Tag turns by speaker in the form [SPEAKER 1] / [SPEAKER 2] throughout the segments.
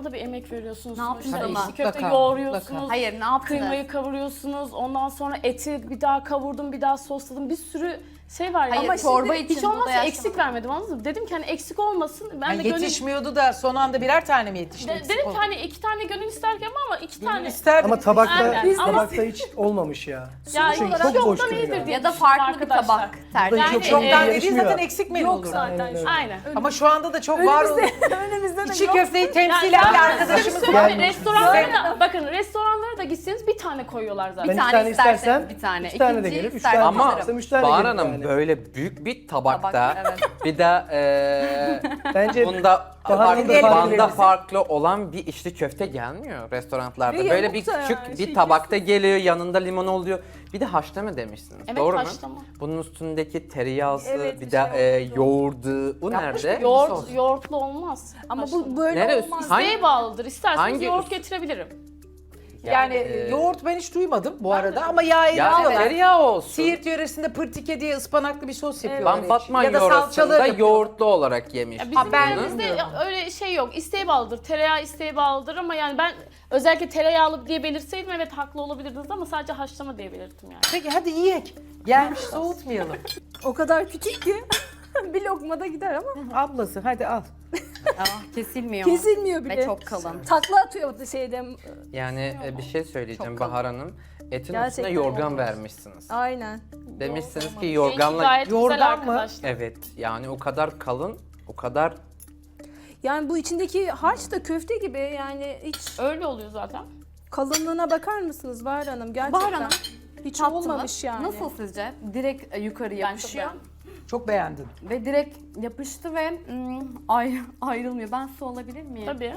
[SPEAKER 1] Ona da bir emek veriyorsunuz.
[SPEAKER 2] Ne yaptınız
[SPEAKER 1] sonuçta.
[SPEAKER 2] ama?
[SPEAKER 1] İçli köfte
[SPEAKER 3] Mutlaka,
[SPEAKER 1] yoğuruyorsunuz.
[SPEAKER 3] mutlaka.
[SPEAKER 2] Hayır, ne yaptınız?
[SPEAKER 1] Kıymayı kavuruyorsunuz. Ondan sonra eti bir daha kavurdum, bir daha sosladım. Bir sürü şey var ya.
[SPEAKER 2] Hayır,
[SPEAKER 1] Ama
[SPEAKER 2] çorba
[SPEAKER 1] şimdi
[SPEAKER 2] için
[SPEAKER 1] hiç
[SPEAKER 2] bu da
[SPEAKER 1] olmazsa
[SPEAKER 2] yaşlama.
[SPEAKER 1] eksik vermedim, anladın mı? Dedim ki hani eksik olmasın. Ben
[SPEAKER 3] Yani
[SPEAKER 1] de gönül...
[SPEAKER 3] yetişmiyordu da son anda birer tane mi yetişti?
[SPEAKER 1] Dedim ki hani 2 tane gönül isterken ama 2 tane.
[SPEAKER 3] İsterdim.
[SPEAKER 4] Ama tabakta
[SPEAKER 1] Aynen.
[SPEAKER 4] tabakta hiç olmamış ya.
[SPEAKER 1] Ya
[SPEAKER 4] Çünkü
[SPEAKER 1] hiç
[SPEAKER 4] çok boş
[SPEAKER 1] yoktan
[SPEAKER 4] duruyor.
[SPEAKER 1] iyidir diye
[SPEAKER 2] Ya da
[SPEAKER 1] düşündüm
[SPEAKER 2] farklı bir
[SPEAKER 1] arkadaşlar.
[SPEAKER 2] tabak tercih.
[SPEAKER 4] Yani,
[SPEAKER 1] Yani,
[SPEAKER 3] Çoktan dediğin
[SPEAKER 4] yarışmıyor.
[SPEAKER 3] zaten eksik menü
[SPEAKER 1] Yok
[SPEAKER 3] olur.
[SPEAKER 1] zaten.
[SPEAKER 4] Aynen öyle.
[SPEAKER 1] Aynen.
[SPEAKER 3] Ama şu anda da çok var olan
[SPEAKER 2] Önümüzde de
[SPEAKER 3] içi
[SPEAKER 2] yok.
[SPEAKER 3] köfteyi temsilen
[SPEAKER 1] Yani-
[SPEAKER 3] bir arkadaşımız var.
[SPEAKER 1] Söyleyeyim, restoranlara da, bakın restoranlara da gitseniz bir tane koyuyorlar zaten.
[SPEAKER 4] Ben
[SPEAKER 2] Bir
[SPEAKER 4] iki
[SPEAKER 2] tane
[SPEAKER 4] tane
[SPEAKER 2] istersen
[SPEAKER 4] istersem
[SPEAKER 2] bir tane.
[SPEAKER 4] 2 tane de
[SPEAKER 2] İkinciyi
[SPEAKER 4] gelir, 3
[SPEAKER 2] istersen
[SPEAKER 4] tane
[SPEAKER 2] alırım.
[SPEAKER 5] Ama
[SPEAKER 4] istersem 3 tane
[SPEAKER 5] Bahar
[SPEAKER 4] gelir
[SPEAKER 5] Hanım
[SPEAKER 4] yani.
[SPEAKER 5] böyle büyük bir tabakta
[SPEAKER 2] Tabak, evet.
[SPEAKER 5] bir de
[SPEAKER 4] Bence
[SPEAKER 5] bunda
[SPEAKER 4] Bahar'ın da
[SPEAKER 5] farklı,
[SPEAKER 4] farklı
[SPEAKER 5] banda
[SPEAKER 4] lezzeti.
[SPEAKER 5] farklı olan bir içli köfte gelmiyor restoranlarda.
[SPEAKER 2] Ve
[SPEAKER 5] Böyle
[SPEAKER 2] yamuk
[SPEAKER 5] bir
[SPEAKER 2] da
[SPEAKER 5] küçük
[SPEAKER 2] yani,
[SPEAKER 5] bir
[SPEAKER 2] şey
[SPEAKER 5] tabakta geliyor, yanında limon oluyor. Bir de haşlama demişsiniz.
[SPEAKER 1] Evet,
[SPEAKER 5] doğru
[SPEAKER 1] haşlama.
[SPEAKER 5] mu? Bunun üstündeki tereyağısı,
[SPEAKER 2] Evet,
[SPEAKER 5] bir
[SPEAKER 2] bir
[SPEAKER 5] de
[SPEAKER 2] şey oldu.
[SPEAKER 5] yoğurdu. Bu
[SPEAKER 3] Yapmış
[SPEAKER 5] nerede?
[SPEAKER 3] mı?
[SPEAKER 1] Yoğurtlu olmaz.
[SPEAKER 2] Ama
[SPEAKER 1] Haşlama.
[SPEAKER 2] bu böyle
[SPEAKER 5] Neresi?
[SPEAKER 2] olmaz.
[SPEAKER 5] Hangi-
[SPEAKER 1] İsteğe bağlıdır. İsterseniz
[SPEAKER 5] hangi-
[SPEAKER 1] yoğurt getirebilirim.
[SPEAKER 3] Yani yoğurt ben hiç duymadım bu arada ama yağ
[SPEAKER 5] Ya
[SPEAKER 3] ekliyorlar.
[SPEAKER 5] tereyağı olsun.
[SPEAKER 3] Siirt yöresinde pırtike diye ıspanaklı bir sos yapıyorlar.
[SPEAKER 5] Ben Batman
[SPEAKER 3] ya da salçalı
[SPEAKER 5] yoğurtunda
[SPEAKER 3] yapıyorlar.
[SPEAKER 5] yoğurtlu olarak yemiş.
[SPEAKER 1] Ya bizim
[SPEAKER 3] ben
[SPEAKER 1] yerimizde
[SPEAKER 3] bilmiyorum.
[SPEAKER 1] öyle şey yok. İsteğe bağlıdır. Tereyağı isteğe bağlıdır ama yani ben özellikle tereyağlı diye belirseydim evet haklı olabilirdiniz ama sadece haşlama diye belirttim yani.
[SPEAKER 3] Peki hadi yiyek. Gelmiş soğutmayalım.
[SPEAKER 2] O kadar küçük ki bir lokmada gider ama
[SPEAKER 3] Ablası hadi al.
[SPEAKER 2] kesilmiyor.
[SPEAKER 6] Kesilmiyor bile.
[SPEAKER 2] Ve çok kalın.
[SPEAKER 6] Takla atıyor şeyden.
[SPEAKER 5] Yani bir şey söyleyeceğim
[SPEAKER 2] Çok kalın.
[SPEAKER 5] Bahar Hanım. Etin üstüne
[SPEAKER 6] Gerçekten
[SPEAKER 5] yorgan
[SPEAKER 6] olmaz.
[SPEAKER 5] vermişsiniz.
[SPEAKER 6] Aynen.
[SPEAKER 5] Demişsiniz ki
[SPEAKER 1] Rengi
[SPEAKER 5] yorganla...
[SPEAKER 1] gayet güzel
[SPEAKER 3] Yoğurdan mı?
[SPEAKER 1] arkadaşlar.
[SPEAKER 5] Evet yani o kadar kalın, o kadar
[SPEAKER 6] Yani bu içindeki harç da köfte gibi yani hiç
[SPEAKER 1] Öyle oluyor zaten.
[SPEAKER 6] kalınlığına bakar mısınız Bahar Hanım? Gerçekten.
[SPEAKER 2] Bahar Hanım,
[SPEAKER 6] hiç
[SPEAKER 2] Tattınız.
[SPEAKER 6] olmamış yani.
[SPEAKER 2] Nasıl sizce? Direkt yukarı yapışıyor.
[SPEAKER 3] Çok beğendim.
[SPEAKER 2] Ve direkt yapıştı ve ayrılmıyor. Ben su alabilir miyim?
[SPEAKER 1] Tabii.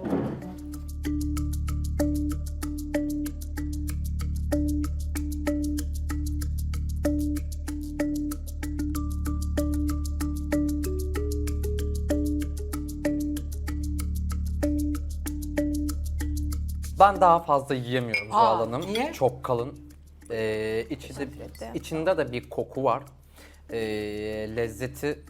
[SPEAKER 5] ben daha fazla yiyemiyorum Zuhal Hanım.
[SPEAKER 3] niye?
[SPEAKER 5] Çok kalın. İçinde de bir koku var. Lezzeti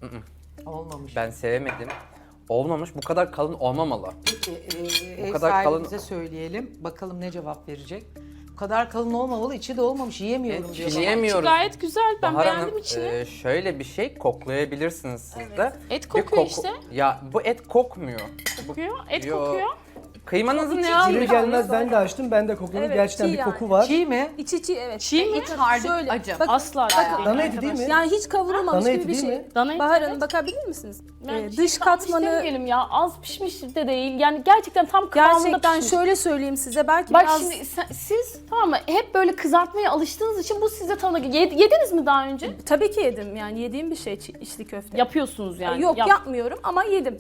[SPEAKER 3] Olmamış.
[SPEAKER 5] ben sevemedim. Olmamış, bu kadar kalın olmamalı.
[SPEAKER 3] Peki ev
[SPEAKER 5] kadar
[SPEAKER 3] sahibimize söyleyelim. Bakalım ne cevap verecek. Bu kadar kalın olmamalı, içi de olmamış. Yiyemiyorum diyor.
[SPEAKER 5] Yiyemiyoruz.
[SPEAKER 1] Gayet güzel. Ben
[SPEAKER 5] Bahar
[SPEAKER 1] beğendim
[SPEAKER 5] Hanım,
[SPEAKER 1] içini.
[SPEAKER 5] şöyle bir şey koklayabilirsiniz siz de.
[SPEAKER 1] Et
[SPEAKER 5] Bir
[SPEAKER 1] kokuyor işte.
[SPEAKER 5] Ya bu et kokmuyor.
[SPEAKER 1] Kokuyor. Et
[SPEAKER 5] Yo.
[SPEAKER 1] kokuyor.
[SPEAKER 5] Kıymanızı ne
[SPEAKER 4] gelir
[SPEAKER 5] almış?
[SPEAKER 4] gelmez ben de açtım, ben de kokladım.
[SPEAKER 6] Evet,
[SPEAKER 4] Gerçekten
[SPEAKER 6] çiğ
[SPEAKER 4] bir
[SPEAKER 6] yani.
[SPEAKER 4] koku var.
[SPEAKER 3] Çiğ mi?
[SPEAKER 6] İçi evet.
[SPEAKER 1] Çiğ mi?
[SPEAKER 2] İç harcı
[SPEAKER 6] Şöyle,
[SPEAKER 2] acı.
[SPEAKER 6] bakın,
[SPEAKER 1] Asla
[SPEAKER 6] bakın,
[SPEAKER 4] Dana eti değil mi?
[SPEAKER 6] Yani hiç kavrulmamış
[SPEAKER 4] Dana
[SPEAKER 6] gibi
[SPEAKER 4] eti
[SPEAKER 6] bir
[SPEAKER 4] değil
[SPEAKER 6] şey.
[SPEAKER 4] mi?
[SPEAKER 1] Dana eti,
[SPEAKER 6] Bahar
[SPEAKER 1] evet.
[SPEAKER 6] Hanım bakabilir misiniz?
[SPEAKER 1] Yani
[SPEAKER 6] Dış
[SPEAKER 1] hiç kalmış
[SPEAKER 6] katmanı
[SPEAKER 1] demeyelim ya. Az pişmiş de değil. Yani gerçekten tam kıvamında
[SPEAKER 6] gerçekten
[SPEAKER 1] pişmiş.
[SPEAKER 6] şöyle söyleyeyim size. Belki
[SPEAKER 1] Bak
[SPEAKER 6] biraz
[SPEAKER 1] şimdi siz tamam mı hep böyle kızartmaya alıştığınız için bu size tanıdık. Yediniz mi daha önce?
[SPEAKER 6] tabii ki yedim. Yani yediğim bir şey içli köfte.
[SPEAKER 1] Yapıyorsunuz yani.
[SPEAKER 6] Yok
[SPEAKER 1] Yap-
[SPEAKER 6] yapmıyorum ama yedim.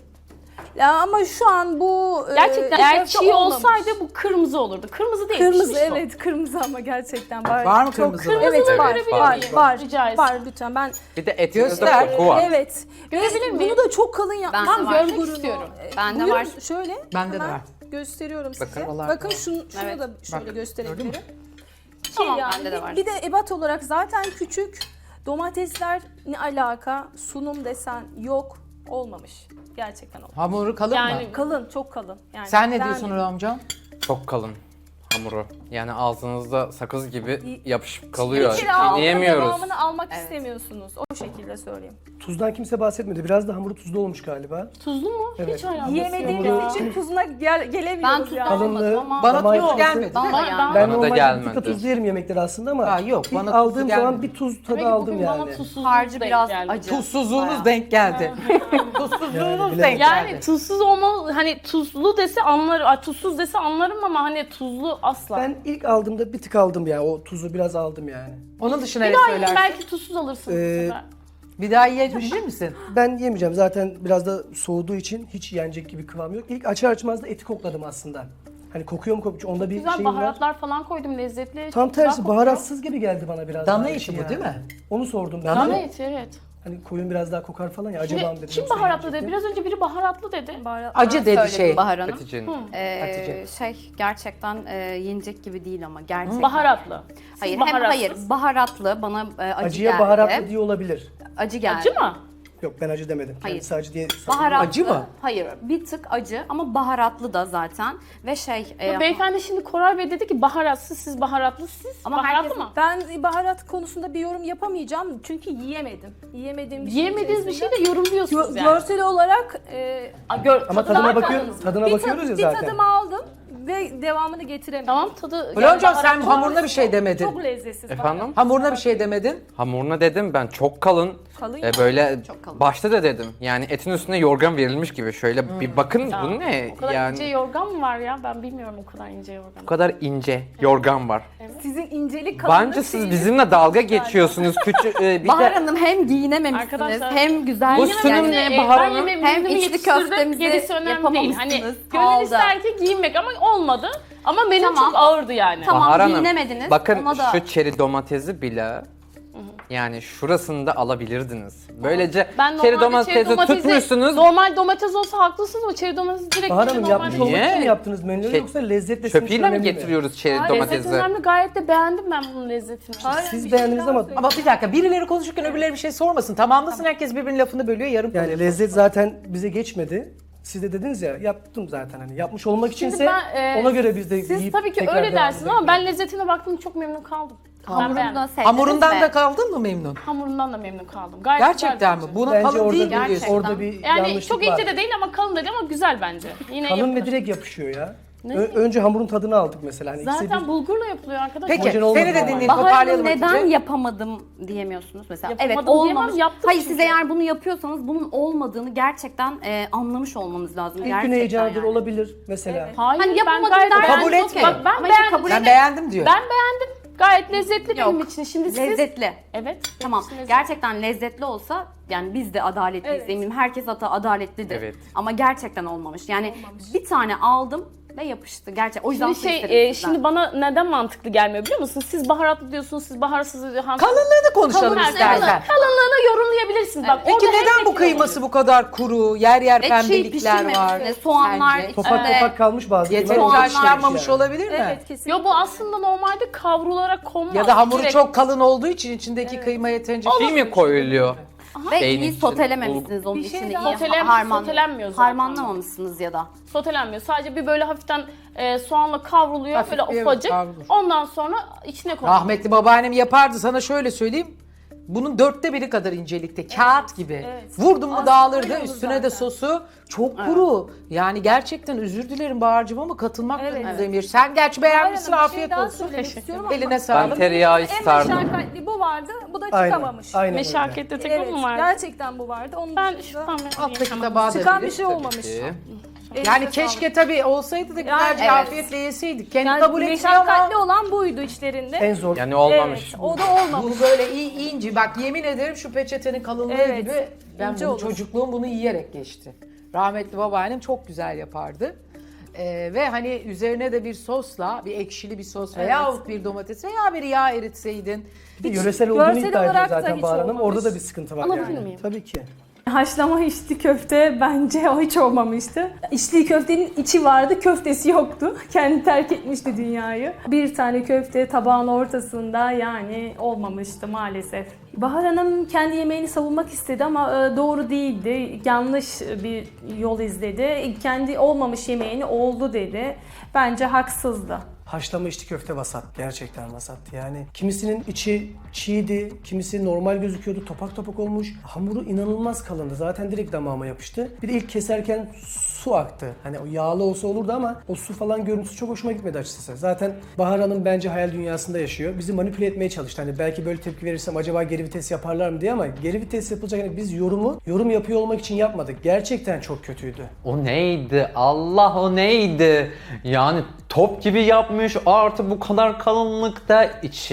[SPEAKER 6] Ya ama şu an bu
[SPEAKER 1] Gerçekten
[SPEAKER 6] içli
[SPEAKER 1] eğer
[SPEAKER 6] köfte
[SPEAKER 1] çiğ
[SPEAKER 6] olmamış.
[SPEAKER 1] olsaydı bu kırmızı olurdu. Kırmızı değil.
[SPEAKER 6] Kırmızı
[SPEAKER 1] pişmiş o.
[SPEAKER 6] evet kırmızı ama gerçekten var.
[SPEAKER 3] Var mı
[SPEAKER 6] Çok
[SPEAKER 3] kırmızı?
[SPEAKER 6] Evet var
[SPEAKER 1] görebilir
[SPEAKER 6] var
[SPEAKER 1] miyim?
[SPEAKER 6] var.
[SPEAKER 1] Rica etsem.
[SPEAKER 6] Var lütfen ben
[SPEAKER 5] Bir de etinizde
[SPEAKER 3] Göster.
[SPEAKER 5] koku var.
[SPEAKER 6] evet.
[SPEAKER 1] Görebilir
[SPEAKER 6] Bunu
[SPEAKER 1] miyim?
[SPEAKER 6] da çok kalın yapmam.
[SPEAKER 2] Ben de var.
[SPEAKER 1] Görmek istiyorum.
[SPEAKER 2] Bende
[SPEAKER 6] Buyurun,
[SPEAKER 2] var.
[SPEAKER 6] şöyle.
[SPEAKER 3] Bende de
[SPEAKER 6] hemen
[SPEAKER 3] var.
[SPEAKER 6] Gösteriyorum size.
[SPEAKER 5] Bakın.
[SPEAKER 6] Bakın şunu
[SPEAKER 2] Evet.
[SPEAKER 6] da şöyle
[SPEAKER 3] Bak,
[SPEAKER 6] gösterebilirim.
[SPEAKER 3] gördün
[SPEAKER 1] Tamam,
[SPEAKER 2] bende de var.
[SPEAKER 6] Bir de ebat olarak zaten küçük. Domatesler ne alaka? Sunum desen yok. Olmamış. Gerçekten olmamış.
[SPEAKER 3] Hamuru kalın
[SPEAKER 1] Yani
[SPEAKER 3] mı?
[SPEAKER 6] Kalın, çok kalın. Yani
[SPEAKER 3] Sen ne
[SPEAKER 6] ben-
[SPEAKER 3] diyorsun amcam?
[SPEAKER 5] Çok kalın hamuru. Yani ağzınızda sakız gibi yapışıp kalıyor.
[SPEAKER 6] Bir kere aldığında
[SPEAKER 5] Yiyemiyoruz.
[SPEAKER 6] devamını almak istemiyorsunuz. O şekilde söyleyeyim.
[SPEAKER 4] Tuzdan kimse bahsetmedi. Biraz da hamuru tuzlu olmuş galiba.
[SPEAKER 1] Tuzlu mu?
[SPEAKER 4] Evet.
[SPEAKER 1] Hiç alakası yok.
[SPEAKER 6] Yiyemediğimiz için tuzuna gelemiyoruz
[SPEAKER 2] Ben tuz
[SPEAKER 6] yani.
[SPEAKER 4] Kalınlığı,
[SPEAKER 1] ama
[SPEAKER 3] Bana
[SPEAKER 4] damak
[SPEAKER 3] tuz
[SPEAKER 4] yapısı-
[SPEAKER 3] gelmedi.
[SPEAKER 2] Bana
[SPEAKER 1] Ben-
[SPEAKER 2] yani.
[SPEAKER 4] Ben
[SPEAKER 5] Bana da
[SPEAKER 4] normalde bir
[SPEAKER 5] gelmedi.
[SPEAKER 4] tık da tuzlu yerim yemekleri aslında ama
[SPEAKER 3] Ha, yok,
[SPEAKER 4] ilk
[SPEAKER 3] bana tuzlu
[SPEAKER 4] aldığım zaman
[SPEAKER 3] gelmedi.
[SPEAKER 4] bir tuz tadı
[SPEAKER 1] Demek ki
[SPEAKER 4] aldım
[SPEAKER 1] bugün
[SPEAKER 4] yani.
[SPEAKER 1] bana tuzsuz
[SPEAKER 2] Harcı
[SPEAKER 1] denk
[SPEAKER 2] biraz
[SPEAKER 1] geldi.
[SPEAKER 2] acı.
[SPEAKER 3] Tuzsuzluğunuz denk geldi. Tuzsuzluğunuz
[SPEAKER 4] Yani
[SPEAKER 3] denk
[SPEAKER 1] Yani
[SPEAKER 3] geldi.
[SPEAKER 1] tuzsuz olmalı, hani tuzlu dese anlarım, tuzsuz dese anlarım ama hani tuzlu asla.
[SPEAKER 4] Ben ilk aldığımda bir tık aldım ya. O tuzu biraz aldım yani.
[SPEAKER 3] Onun dışına
[SPEAKER 1] bir
[SPEAKER 3] ne
[SPEAKER 1] daha yiyin,
[SPEAKER 3] söylersin?
[SPEAKER 1] belki tuzsuz alırsın bu
[SPEAKER 4] Ee,
[SPEAKER 1] sefer.
[SPEAKER 3] Bir daha yiyebilir misin?
[SPEAKER 4] Ben yemeyeceğim. Zaten biraz da soğuduğu için hiç yenecek gibi kıvam yok. İlk açar açmaz da eti kokladım aslında. Hani kokuyor mu kokuyor? Onda bir
[SPEAKER 1] Güzel
[SPEAKER 4] şeyim var.
[SPEAKER 1] baharatlar falan koydum lezzetli.
[SPEAKER 4] Tam
[SPEAKER 1] güzel
[SPEAKER 4] tersi
[SPEAKER 1] kokuyor.
[SPEAKER 4] baharatsız gibi geldi bana biraz.
[SPEAKER 3] Dana
[SPEAKER 4] daha
[SPEAKER 3] eti
[SPEAKER 4] içi
[SPEAKER 3] bu
[SPEAKER 4] yani.
[SPEAKER 3] değil mi?
[SPEAKER 4] Onu sordum ben.
[SPEAKER 1] Dana
[SPEAKER 4] de.
[SPEAKER 1] eti evet.
[SPEAKER 4] Hani koyun biraz daha kokar falan ya. Acaba mı dedim.
[SPEAKER 1] Kim
[SPEAKER 4] yoksa
[SPEAKER 1] baharatlı dedi?
[SPEAKER 4] yiyecektim.
[SPEAKER 1] Biraz önce biri baharatlı dedi.
[SPEAKER 3] Acı dedi
[SPEAKER 2] Söyledim
[SPEAKER 3] şey.
[SPEAKER 2] Bahar Hanım.
[SPEAKER 5] Hatice'nin.
[SPEAKER 3] Hatice.
[SPEAKER 2] Gerçekten yenecek gibi değil ama gerçekten.
[SPEAKER 1] Baharatlı. Siz
[SPEAKER 2] Hayır,
[SPEAKER 1] baharatsız.
[SPEAKER 2] hayır baharatlı bana acı
[SPEAKER 4] Acıya
[SPEAKER 2] geldi.
[SPEAKER 4] baharatlı diye olabilir.
[SPEAKER 2] Acı geldi.
[SPEAKER 1] Acı mı?
[SPEAKER 4] Yok ben acı demedim.
[SPEAKER 2] Hayır.
[SPEAKER 4] Kendisi acı diye
[SPEAKER 2] Baharatlı.
[SPEAKER 3] Acı mı?
[SPEAKER 2] Hayır, bir tık acı ama baharatlı da zaten. Ve
[SPEAKER 1] Beyefendi şimdi Koray Bey dedi ki baharatsız, siz baharatlı, siz
[SPEAKER 2] Ama
[SPEAKER 1] baharatlı
[SPEAKER 2] herkes-
[SPEAKER 1] mı?
[SPEAKER 6] Ben baharat konusunda bir yorum yapamayacağım çünkü yiyemedim. Yiyemediğim bir şey
[SPEAKER 1] Yiyemediğiniz bir şey
[SPEAKER 6] içerisinde.
[SPEAKER 1] de yorumluyorsunuz yani.
[SPEAKER 6] Görsel olarak
[SPEAKER 4] Ama tadına bakıyoruz ya
[SPEAKER 6] bir
[SPEAKER 4] zaten.
[SPEAKER 6] tadımı aldım ve devamını getiremedim.
[SPEAKER 1] Tamam tadı...
[SPEAKER 3] Hocam sen
[SPEAKER 1] baharatlı-
[SPEAKER 3] hamuruna bir şey demedin.
[SPEAKER 6] Çok lezzetsiz.
[SPEAKER 5] Efendim?
[SPEAKER 3] Hamuruna bir şey demedin.
[SPEAKER 5] Hamuruna dedim ben çok kalın.
[SPEAKER 6] Kalın ya.
[SPEAKER 5] Böyle
[SPEAKER 2] Çok kalın.
[SPEAKER 5] başta da dedim. Yani etin üstüne yorgan verilmiş gibi. Şöyle bir bakın bu ne?
[SPEAKER 1] O kadar
[SPEAKER 5] Yani
[SPEAKER 1] ince yorgan mı var ya? Ben bilmiyorum o kadar ince yorgan.
[SPEAKER 5] bu kadar ince yorgan var.
[SPEAKER 6] Sizin incelik kalınlık
[SPEAKER 5] Bence siz
[SPEAKER 6] şeyiniz-
[SPEAKER 5] bizimle dalga geçiyorsunuz. Küçük bir
[SPEAKER 2] Bahar
[SPEAKER 5] de
[SPEAKER 2] Hanım hem giyinememişsiniz
[SPEAKER 1] Arkadaşlar,
[SPEAKER 2] hem güzel
[SPEAKER 5] bu sunum ne Bahar Hanım?
[SPEAKER 2] Hem içli köftemizi
[SPEAKER 1] gerisi önemli değil. Hani
[SPEAKER 2] yapamamışsınız,
[SPEAKER 1] gönül
[SPEAKER 2] kaldı.
[SPEAKER 1] ister ki giyinmek ama olmadı. Ama benim
[SPEAKER 2] Tamam.
[SPEAKER 1] çok ağırdı yani.
[SPEAKER 2] Tamam,
[SPEAKER 5] Bahar Hanım,
[SPEAKER 2] giyinemediniz.
[SPEAKER 5] bakın
[SPEAKER 2] Ona da-
[SPEAKER 5] şu çeri domatesi bile yani şurasını da alabilirdiniz. Böylece
[SPEAKER 1] Ben
[SPEAKER 5] çeri
[SPEAKER 1] normalde çeri
[SPEAKER 5] domatesi
[SPEAKER 1] domatesi,
[SPEAKER 5] tutmuşsunuz.
[SPEAKER 1] normal domates olsa haklısınız ama çeri domatesi direkt
[SPEAKER 4] Bahar
[SPEAKER 1] içine
[SPEAKER 4] Hanım
[SPEAKER 1] normal
[SPEAKER 4] yapmış olmak için
[SPEAKER 5] Niye?
[SPEAKER 4] mi yaptınız menüleri
[SPEAKER 5] Şey,
[SPEAKER 4] yoksa lezzetle sizin için
[SPEAKER 5] Çöpüyle mi
[SPEAKER 4] önemli
[SPEAKER 5] getiriyoruz çeri
[SPEAKER 1] Lezzet
[SPEAKER 5] domatesi?
[SPEAKER 1] önemli, gayet de beğendim ben bunun lezzetini.
[SPEAKER 4] Siz beğendiniz ama
[SPEAKER 3] Ama bir dakika birileri konuşurken öbürleri bir şey sormasın. Tamamlasın herkes birbirinin lafını bölüyor yarım
[SPEAKER 4] yani
[SPEAKER 3] kalıyor.
[SPEAKER 4] lezzet zaten bize geçmedi. Siz de dediniz ya yaptım zaten hani yapmış olmak içinse
[SPEAKER 1] ben,
[SPEAKER 4] ona göre biz de
[SPEAKER 1] Siz
[SPEAKER 4] yiyip
[SPEAKER 1] tabii ki
[SPEAKER 4] tekrar
[SPEAKER 1] öyle
[SPEAKER 4] devam
[SPEAKER 1] dersiniz
[SPEAKER 4] edelim.
[SPEAKER 1] ama ben lezzetine baktım çok memnun kaldım. Ben
[SPEAKER 2] Hamurunu
[SPEAKER 1] beğendim.
[SPEAKER 2] da sevdiniz
[SPEAKER 3] Hamurundan
[SPEAKER 2] mi?
[SPEAKER 3] da kaldın mı memnun?
[SPEAKER 1] Hamurundan da memnun kaldım. Gayet
[SPEAKER 3] Gerçekten mi?
[SPEAKER 1] güzel
[SPEAKER 3] Buna
[SPEAKER 4] Bence
[SPEAKER 3] kalın
[SPEAKER 4] orada
[SPEAKER 3] değil
[SPEAKER 4] bir,
[SPEAKER 3] mi diyorsun?
[SPEAKER 2] Gerçekten.
[SPEAKER 4] orada bir
[SPEAKER 1] Yani
[SPEAKER 4] yanlışlık
[SPEAKER 1] çok
[SPEAKER 4] var.
[SPEAKER 1] ince de değil ama kalın da değil ama güzel bence. Yine
[SPEAKER 4] Kalın ve
[SPEAKER 1] yapılır.
[SPEAKER 4] direkt yapışıyor ya.
[SPEAKER 1] Ne?
[SPEAKER 4] Önce hamurun tadını aldık mesela. Hani ikisi
[SPEAKER 1] Zaten
[SPEAKER 4] bir-
[SPEAKER 1] bulgurla yapılıyor arkadaşlar.
[SPEAKER 3] Peki
[SPEAKER 4] Homojen olmadı
[SPEAKER 3] seni de
[SPEAKER 4] ama.
[SPEAKER 3] dinleyelim
[SPEAKER 2] Bahar Hanım
[SPEAKER 3] toparlayalım
[SPEAKER 2] neden
[SPEAKER 3] Hatice.
[SPEAKER 2] yapamadım diyemiyorsunuz mesela.
[SPEAKER 1] Yapamadım
[SPEAKER 2] Evet
[SPEAKER 1] diyemem,
[SPEAKER 2] olmamış.
[SPEAKER 1] yaptım
[SPEAKER 2] Hayır
[SPEAKER 1] çünkü.
[SPEAKER 2] siz eğer bunu yapıyorsanız bunun olmadığını gerçekten anlamış olmanız lazım.
[SPEAKER 4] İlk gün
[SPEAKER 2] gerçekten
[SPEAKER 4] heyecanıdır
[SPEAKER 2] yani.
[SPEAKER 4] olabilir mesela.
[SPEAKER 1] Hayır
[SPEAKER 2] Hani
[SPEAKER 1] ben
[SPEAKER 2] yapamadım
[SPEAKER 1] gayet
[SPEAKER 2] dersen
[SPEAKER 3] Kabul
[SPEAKER 2] okey.
[SPEAKER 3] etme.
[SPEAKER 1] Bak ben
[SPEAKER 2] Ama işte
[SPEAKER 1] beğendim.
[SPEAKER 2] kabul
[SPEAKER 3] Ben
[SPEAKER 2] edin.
[SPEAKER 3] beğendim diyor.
[SPEAKER 1] Ben beğendim. Gayet lezzetli
[SPEAKER 2] Yok.
[SPEAKER 1] benim için. Şimdi siz...
[SPEAKER 2] Lezzetli.
[SPEAKER 1] Evet.
[SPEAKER 2] Tamam.
[SPEAKER 1] benim için lezzetli.
[SPEAKER 2] Gerçekten lezzetli olsa yani biz de adaletliyiz
[SPEAKER 6] Evet.
[SPEAKER 2] eminim. Herkes adaletlidir.
[SPEAKER 5] Evet.
[SPEAKER 2] Ama gerçekten olmamış. Yani bir tane aldım ve yapıştı. Gerçekten. O yüzden
[SPEAKER 1] Şimdi
[SPEAKER 2] su istedim sizden.
[SPEAKER 1] şimdi bana neden mantıklı gelmiyor biliyor musunuz? Siz baharatlı diyorsunuz, siz baharatsız diyorsunuz.
[SPEAKER 3] Kalınlığını konuşalım
[SPEAKER 1] Kalın-
[SPEAKER 3] istersen.
[SPEAKER 1] Kalınlığını yorumlayabilirsin. Bak,
[SPEAKER 3] Peki
[SPEAKER 1] orada
[SPEAKER 3] neden
[SPEAKER 1] herkes
[SPEAKER 3] bu kıyması bu kadar kuru, yer yer
[SPEAKER 2] Ve çiğ
[SPEAKER 3] pembelikler var?
[SPEAKER 2] pişirmemişsiniz. Soğanlar
[SPEAKER 3] Sence?
[SPEAKER 4] Topak
[SPEAKER 2] içinde.
[SPEAKER 4] topak kalmış bazı
[SPEAKER 3] Yeterince
[SPEAKER 4] kıymalar.
[SPEAKER 3] haşlanmamış
[SPEAKER 4] yani.
[SPEAKER 3] olabilir mi?
[SPEAKER 6] Evet kesinlikle.
[SPEAKER 1] Yo bu aslında normalde kavrularak konmaz.
[SPEAKER 3] Ya da hamuru
[SPEAKER 1] Direkt-
[SPEAKER 3] çok kalın olduğu için içindeki kıyma yeterince
[SPEAKER 5] Şey mi koyuluyor?
[SPEAKER 2] Ve
[SPEAKER 5] Beynin
[SPEAKER 2] iyi
[SPEAKER 5] içinde.
[SPEAKER 2] sotelememişsiniz onun
[SPEAKER 6] Bir şey
[SPEAKER 2] içini
[SPEAKER 6] daha-
[SPEAKER 2] iyi.
[SPEAKER 1] Sotelenmiyor zaten.
[SPEAKER 2] Harmanlamamışsınız ya da.
[SPEAKER 1] Sotelenmiyor. Sadece bir böyle hafiften soğanla kavruluyor.
[SPEAKER 3] Hafif
[SPEAKER 1] böyle
[SPEAKER 3] bir
[SPEAKER 1] ufacık.
[SPEAKER 3] kavrulur.
[SPEAKER 1] Ondan sonra içine konuyor.
[SPEAKER 3] Rahmetli babaannem yapardı sana şöyle söyleyeyim. Bunun 1/4 kadar incelikte, kağıt gibi.
[SPEAKER 6] evet.
[SPEAKER 3] Vurdum mu
[SPEAKER 6] Aslında
[SPEAKER 3] dağılırdı,
[SPEAKER 6] öyle olur
[SPEAKER 3] üstüne de
[SPEAKER 6] zaten.
[SPEAKER 3] sosu çok kuru. Yani gerçekten özür dilerim Bahar'cığım ama katılmak
[SPEAKER 6] Evet.
[SPEAKER 3] durumundayım. Sen gerçi beğenmişsin,
[SPEAKER 6] Aynen, bir şey
[SPEAKER 3] afiyet
[SPEAKER 6] daha
[SPEAKER 3] olsun.
[SPEAKER 6] söylemek istiyorum ama
[SPEAKER 3] Eline sağlık.
[SPEAKER 5] Ben tereyağı
[SPEAKER 6] en
[SPEAKER 5] isterdim.
[SPEAKER 6] meşakkatli bu vardı, bu da
[SPEAKER 4] Aynen.
[SPEAKER 6] çıkamamış.
[SPEAKER 4] Aynen öyle.
[SPEAKER 1] Meşakkatli tek
[SPEAKER 6] Evet,
[SPEAKER 1] o mu var?
[SPEAKER 6] gerçekten bu vardı. Onun
[SPEAKER 1] Ben
[SPEAKER 6] dışında
[SPEAKER 1] şuradan
[SPEAKER 3] Alttaki tabağa da
[SPEAKER 6] çıkan bir
[SPEAKER 3] verin.
[SPEAKER 6] şey olmamış.
[SPEAKER 5] Ki.
[SPEAKER 3] Yani
[SPEAKER 6] Elinize
[SPEAKER 3] keşke tabii olsaydı da güzelce
[SPEAKER 2] evet.
[SPEAKER 3] afiyetle yeseydik. Kendi
[SPEAKER 6] Yani
[SPEAKER 3] kabul etmiyor
[SPEAKER 6] meşakkatli
[SPEAKER 3] ama
[SPEAKER 6] olan buydu içlerinde.
[SPEAKER 4] En zor.
[SPEAKER 5] Yani olmamış.
[SPEAKER 6] Evet, o da olmamış.
[SPEAKER 3] bu böyle ince. Bak yemin ederim şu peçetenin kalınlığı
[SPEAKER 6] Evet,
[SPEAKER 3] gibi ben
[SPEAKER 6] ince
[SPEAKER 3] bunu
[SPEAKER 6] olur.
[SPEAKER 3] çocukluğum bunu yiyerek geçti. Rahmetli babaannem çok güzel yapardı. Ve hani üzerine de bir sosla, bir ekşili bir sos veyahut bir domates veya bir yağ eritseydin.
[SPEAKER 4] Bir de yöresel olduğunu
[SPEAKER 6] görsel
[SPEAKER 4] iddia ediyor
[SPEAKER 6] olarak da
[SPEAKER 4] zaten
[SPEAKER 6] hiç
[SPEAKER 4] Bahar Hanım.
[SPEAKER 6] olmamış.
[SPEAKER 4] Orada da bir sıkıntı var
[SPEAKER 1] Alabilir
[SPEAKER 4] yani.
[SPEAKER 1] miyim?
[SPEAKER 4] Tabii ki.
[SPEAKER 6] Haşlama içli köfte bence o hiç olmamıştı. İçli köftenin içi vardı, köftesi yoktu. Kendi terk etmişti dünyayı. Bir tane köfte tabağın ortasında yani olmamıştı maalesef. Bahar Hanım kendi yemeğini savunmak istedi ama doğru değildi. Yanlış bir yol izledi. Kendi olmamış yemeğini oldu dedi. Bence haksızdı.
[SPEAKER 4] Haşlama içli köfte vasat. Gerçekten vasattı yani. Kimisinin içi çiğdi, kimisi normal gözüküyordu, topak topak olmuş. Hamuru inanılmaz kalındı. Zaten direkt damağıma yapıştı. Bir de ilk keserken su aktı. Hani o yağlı olsa olurdu ama o su falan görüntüsü çok hoşuma gitmedi açıkçası. Zaten Bahar Hanım bence hayal dünyasında yaşıyor. Bizi manipüle etmeye çalıştı. Hani belki böyle tepki verirsem acaba geri vites yaparlar mı diye ama geri vites yapılacak. Yani biz yorum yapıyor olmak için yapmadık. Gerçekten çok kötüydü.
[SPEAKER 5] O neydi? Allah o neydi? Yani top gibi yapmış artı bu kadar kalınlıkta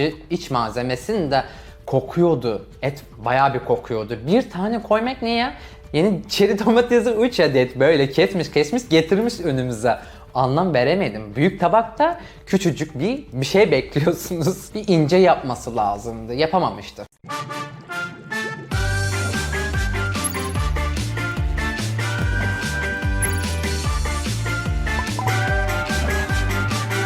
[SPEAKER 5] iç malzemesini de kokuyordu. Et bayağı bir kokuyordu. Bir tane koymak ne ya? Yeni çeri domatesi 3 adet böyle kesmiş getirmiş önümüze. Anlam veremedim. Büyük tabakta küçücük bir şey bekliyorsunuz. Bir ince yapması lazımdı. Yapamamıştı.